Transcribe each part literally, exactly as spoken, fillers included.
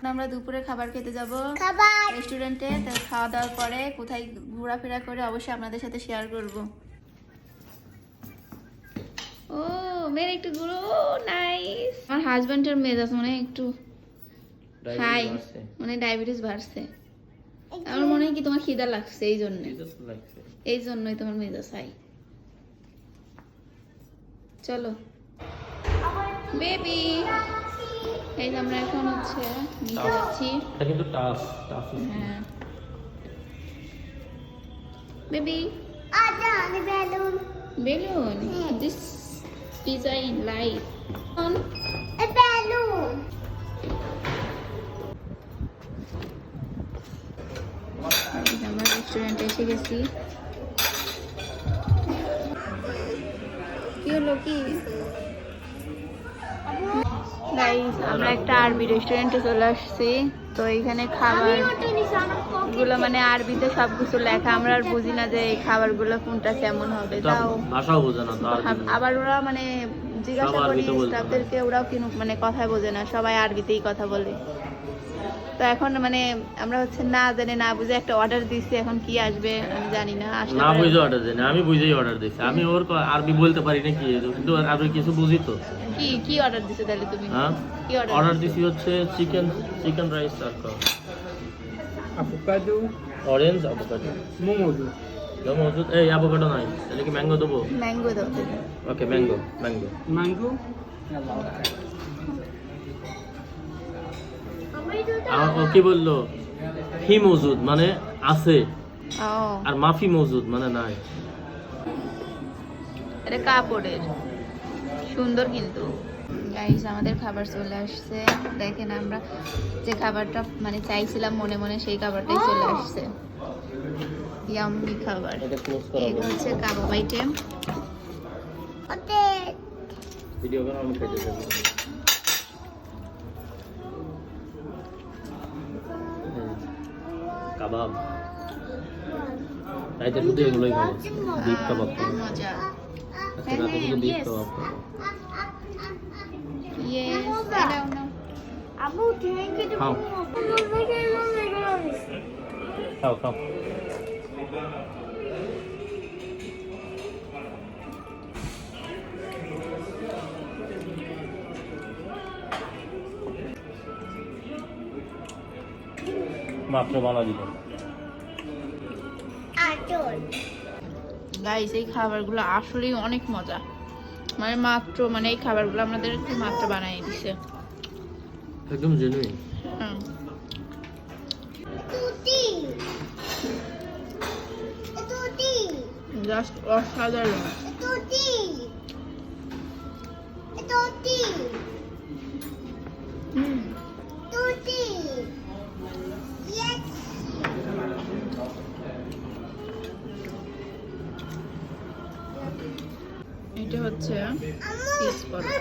আমরা দুপুরে খাবার খেতে যাব রেস্টুরেন্টে। তো খাওয়া দাওয়ার পরে কোথায় ঘোরাফেরা করে অবশ্যই আপনাদের সাথে শেয়ার করব। ও মেয়ের একটু গুলো নাইস। আমার হাজবেন্ডের মেজাজ মনে হয় একটু হাই, মানে ডায়াবেটিস বাড়ছে। আমার মনে হয় কি তোমার খিদা লাগছে, এই জন্য এই জন্যই তোমার মেজাজ হাই। চলো বেবি, এই যে আমরা এখন হচ্ছে নিতে যাচ্ছি। এটা কিন্তু টাফ টাফ। হ্যাঁ বেবি, আজা আমি balloon balloon, this pizza in life on a balloon. আমরা রেস্টুরেন্টে এসে গেছি। কি হলো কি গাইস, আমরা একটা আরবি রেস্টুরেন্টে চলে আসছি। তো এইখানে খাবার গুলো মানে আরবিতে সবকিছু লেখা, আমরা আর বুঝি না যে এই খাবারগুলো কোনটা কেমন হবে। তাও ভাষাও বোঝে না তো আবার ওরা মানে জিজ্ঞাসা করি স্টাফদেরকে, ওরাও কিন্তু মানে কথাই বোঝে না, সবাই আরবিতেই কথা বলে। তো এখন মানে আমরা হচ্ছে না জানি না বুঝে একটা অর্ডার দিছি, এখন কি আসবে আমি জানি না। না বুঝে অর্ডার দেন, আমি বুঝেই অর্ডার দিছি। আমি ওর আরবি বলতে পারি না কি, কিন্তু আরবি কিছু বুঝি তো। কি কি অর্ডার দিছো তাহলে তুমি? হ্যাঁ কি অর্ডার অর্ডার দিছি হচ্ছে চিকেন চিকেন রাইস আর কা avocado, অরেঞ্জ অ্যাভোকাডো momodo. দাও মজুদ। এই অ্যাভোকাডো নাই, তাহলে কি ম্যাঙ্গো দেবো? ম্যাঙ্গো দাও। Okay mango mango Mango. ও কি বললো? হি মজুদ মানে আছে, ও আর মাফি মজুদ মানে নাই। এটা কাপড়ের, সুন্দর কিন্তু। গাইস আমাদের খাবার চলে আসছে। দেখেন আমরা যে খাবারটা মানে চাইছিলাম মনে মনে, সেই খাবারটাই চলে আসছে। ইয়াম্মি খাবার। এটা ক্লোজ করা এই হচ্ছে কাবাব আইটেম। ওতে ভিডিও করে আমি খেতে যাব। কাবাব তাই তো শুধু এগুলোই খাবো। বিফ কাবাব খাবো। মজা। আজকে রাতে শুধু বিফ কাবাব খাবো। ইয়েস, এটাও নাও। Abu thank you. খাও খাও খাও। মাত্র বানা দিল। আচল গাইস এই খাবারগুলো আসলেই অনেক মজা। মানে মাত্র মানে এই খাবারগুলো আমাদের মাত্র বানিয়ে দিছে, একদম জেনুইন। হ্যাঁ তুতি তুতি জাস্ট অসাধারণ। তুতি তুতি হুম তুতি ইয়েস। এটা হচ্ছে পিস পরোটা।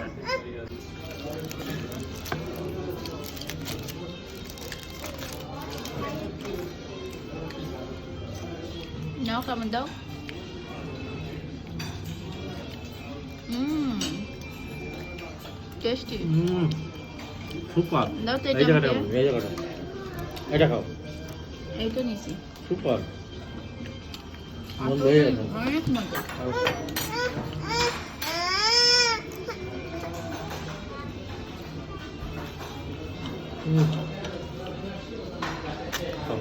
নাও কেমন দাও। হুম টেস্টি। হুম সুপার। দাও তো এই এটা জায়গাটা আমাকে। এই জায়গাটা এটা খাও। এইটা নিছি। সুপার মন ভরে গেছে। অনেক মজা। হুম খাও।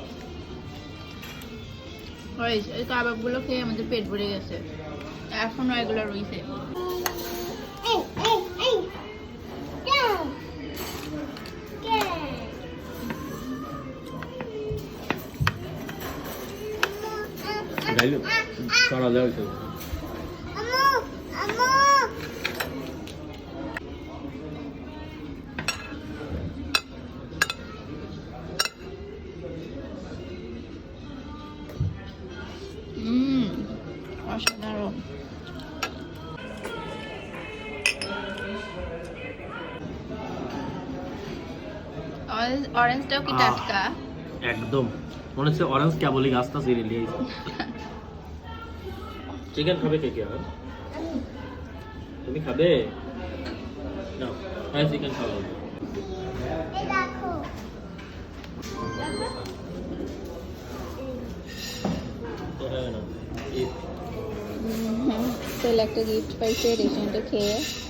গাইস এই কাবাবগুলো খেয়ে আমাদের পেট ভরে গেছে, এখনো এগুলো রয়েছে। এই এই এই কেন কেন ডাইলো সারা দাও তো। আমু আমু হুম অসাধারণ। অরেঞ্জটাও কি টাটকা? একদম মনে হচ্ছে অরেঞ্জ কেবলই গাছটা ছিঁড়ে নিয়ে চিকেন খাবে কে কে? তুমি খাবে? নাও হ্যাঁ চিকেন খাওয়া। এই দেখো স্পেশাল একটা গিফট পাইছে রেস্টুরেন্টে খেয়ে